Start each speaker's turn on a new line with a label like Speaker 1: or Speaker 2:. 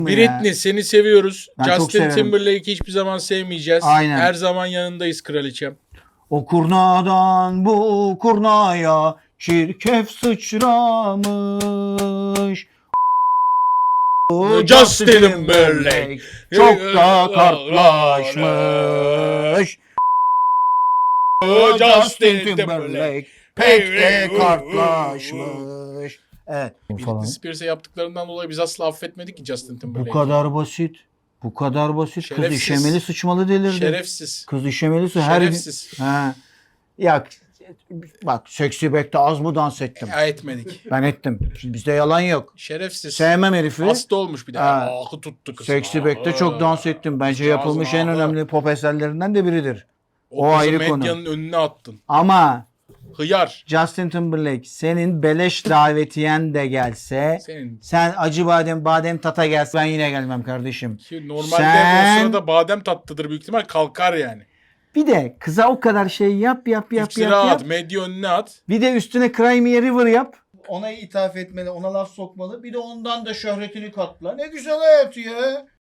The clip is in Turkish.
Speaker 1: Britney seni seviyoruz.
Speaker 2: Ben çok
Speaker 1: Justin
Speaker 2: severim.
Speaker 1: Timberlake'i hiçbir zaman sevmeyeceğiz.
Speaker 2: Aynen.
Speaker 1: Her zaman yanındayız kraliçem.
Speaker 2: O kurnadan bu kurnaya çirkef sıçramış. O
Speaker 1: Justin Timberlake
Speaker 2: çok da kartlaşmış. O Justin Timberlake pek de kartlaşmış. Evet.
Speaker 1: Britney Spears'e yaptıklarından dolayı biz asla affetmedik ki Justin
Speaker 2: Bu
Speaker 1: Timberlake'i.
Speaker 2: kadar basit. Bu kadar basit. Kız
Speaker 1: Şerefsiz.
Speaker 2: işemeli sıçmalı delirdi.
Speaker 1: Şerefsiz.
Speaker 2: Kız işemeli her
Speaker 1: Şerefsiz.
Speaker 2: Ha. Ya bak Sexy Back'te az mı dans ettim?
Speaker 1: Ya etmedik.
Speaker 2: Ben ettim. Bizde yalan yok.
Speaker 1: Şerefsiz.
Speaker 2: Sevmem herifi.
Speaker 1: Hasta olmuş bir de.
Speaker 2: Ha.
Speaker 1: Ahı tuttu kız.
Speaker 2: Sexy Back'te çok dans ettim. Bence
Speaker 1: Kızcağızın
Speaker 2: yapılmış en
Speaker 1: ahı.
Speaker 2: önemli pop eserlerinden de biridir.
Speaker 1: O
Speaker 2: O
Speaker 1: kızı
Speaker 2: ayrı konu.
Speaker 1: medyanın önüne attın.
Speaker 2: Ama
Speaker 1: Hıyar.
Speaker 2: Justin Timberlake senin beleş davetiyen de gelse
Speaker 1: Senin
Speaker 2: sen acı badem tata gelse ben yine gelmem kardeşim.
Speaker 1: ki normalde
Speaker 2: Sen-
Speaker 1: o sırada badem tatlıdır büyük ihtimal, kalkar yani.
Speaker 2: Bir de kıza o kadar şey yap.
Speaker 1: İftira at, medya önüne at.
Speaker 2: Bir de üstüne Cry Me a River yap. Ona ithaf etmeli, ona laf sokmalı. Bir de ondan da şöhretini katla. Ne güzel hayat ya.